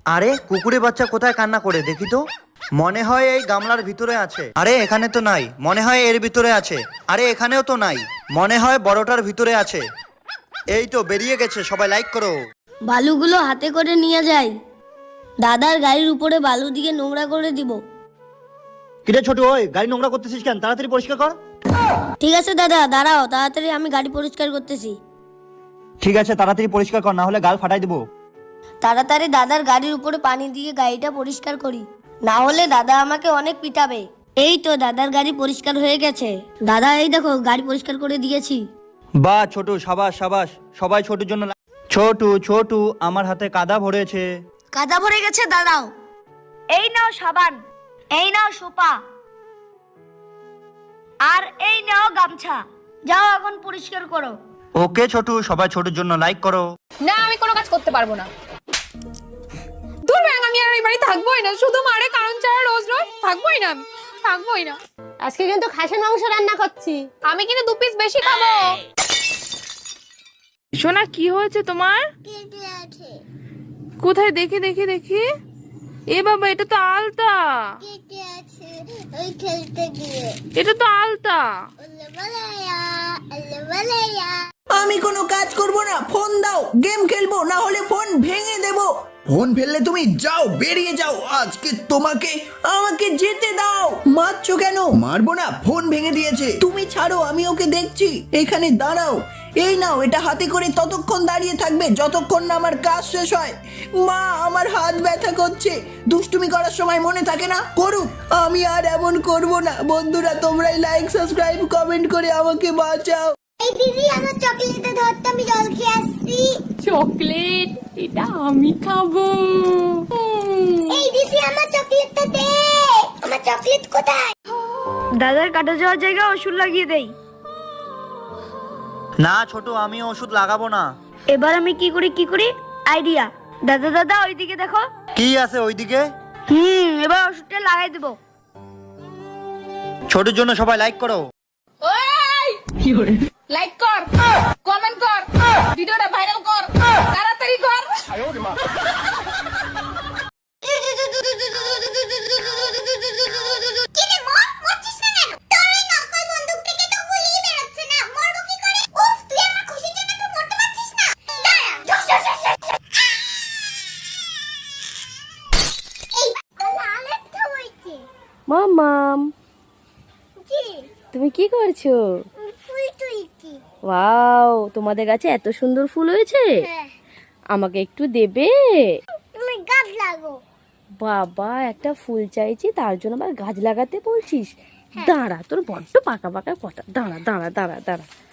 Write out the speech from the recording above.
আরে কুকুরের বাচ্চা কোথায় কান্না করে দেখি তো। মনে হয় এই গামলার ভিতরে আছে। আরে এখানে তো নাই, মনে হয় এর ভিতরে আছে। আরে এখানেও তো নাই, মনে হয় বড়টার ভিতরে আছে। এই তো বেরিয়ে গেছে, সবাই লাইক করো। বালুগুলো হাতে করে নিয়ে যাই, দাদার গাড়ির উপরে বালু দিয়ে নোংরা করে দিব। কিরে ছোট, ওই গাড়ি নোংরা করতেছিস কেন? তাড়াতাড়ি পরিষ্কার কর। ঠিক আছে দাদা, দাঁড়াও, তাড়াতাড়ি আমি গাড়ি পরিষ্কার করতেছি। ঠিক আছে, তাড়াতাড়ি পরিষ্কার কর, না হলে গাল ফাটাই দেবো। তাড়াতাড়ি দাদার গাড়ির উপরে পানি দিয়ে গাড়িটা পরিষ্কার করি, না হলে দাদা আমাকে অনেক পিটাবে। এই তো দাদার গাড়ি পরিষ্কার হয়ে গেছে। দাদা এই দেখো গাড়ি পরিষ্কার করে দিয়েছি। বাহ ছোটু, সাবাস সাবাস। সবাই ছোটুর জন্য ছোটু ছোটু আমার হাতে কাদা ভরেছে। কাদা ভরে গেছে, দাঁড়াও। এই নাও সাবান, এই নাও সোপা, আর এই নাও গামছা। যাও এখন পরিষ্কার করো। ওকে ছোটু, সবাই ছোটুর জন্য লাইক করো। না, আমি কোনো কাজ করতে পারবো না। দূর ব্যাং, আমি আর এই বাড়ি থাকবোই না। শুধু মারে কারণ ছাড়া রোজ রোজ থাকবোই না, আমি থাকবোই না। আজকে কিন্তু খাসির মাংস রান্না করছি। আমি কিন্তু 2 পিস বেশি খাবো। সোনা কি হয়েছে তোমার? কোথায়? দেখি দেখি দেখি। এ বাবা, এটা তো আলতা। এটা তো আলতা। আমি কোনো কাজ করব না, ফোন দাও, গেম খেলবো, না হলে ফোন ভেঙে দেব। ফোন ফেললে তুমি যাও, বেরিয়ে যাও। আজকে আমাকে যেতে দাও। মারছো কেন? মারবো না, ফোন ভেঙে দিয়েছে। তুমি ছাড়ো, আমি ওকে দেখছি। এখানে দাঁড়াও, এই নাও, এটা হাতে করে ততক্ষণ দাঁড়িয়ে থাকবে যতক্ষণ না আমার কাজ শেষ হয়। মা, আমার হাত ব্যথা করছে। দুষ্টুমি করার সময় মনে থাকে না? করুক, আমি আর এমন করব না। বন্ধুরা, তোমরাই লাইক, সাবস্ক্রাইব, কমেন্ট করে আমাকে বাঁচাও। এই দিদি, আমার চকলেটটা ধরতে, আমি জল খেয়ে আসছি। চকলেট? এটা আমি খাবো। এই দিদি, আমার চকলেটটা দে। আমার চকলেট কোথায়? দাদার কাটা যাওয়ার জায়গায় ওষুধ লাগিয়ে দেই। না ছোটু, আমি ওষুধ লাগাবো না। এবার আমি কি করি আইডিয়া। দাদা দাদা ওইদিকে দেখো। কি আছে ওইদিকে? এবার ওষুধটা লাগাই দেবো। ছোটুর জন্য সবাই লাইক করো। লাইক কর, কমেন্ট কর, ভিডিওটা ভাইরাল কর, তাড়াতাড়ি কর। কিরে মর, মরছিস না কেন? তোর ওই নকল বন্দুক থেকে তো গুলি বেরোচ্ছে না। মরবো কি করে? উফ, তুই আমার খুশির জন্য একটু মরতে পারছিস না? দাঁড়া, জস জস জস জস। এই লাল একটা হইছে। মামাম, জি, তুমি কি করছো? ফুল তুলছি। ওয়াও, তোমাদের গাছে এত সুন্দর ফুল হয়েছে। হ্যাঁ, আমাকে একটু দেবে? তুমি গাছ লাগো। বাবা, একটা ফুল চাইছি, তার জন্য আবার গাছ লাগাতে বলছিস? দাঁড়া, তোর বড্ড পাকা পাকা কথা। দাঁড়া দাঁড়া দাঁড়া দাঁড়া।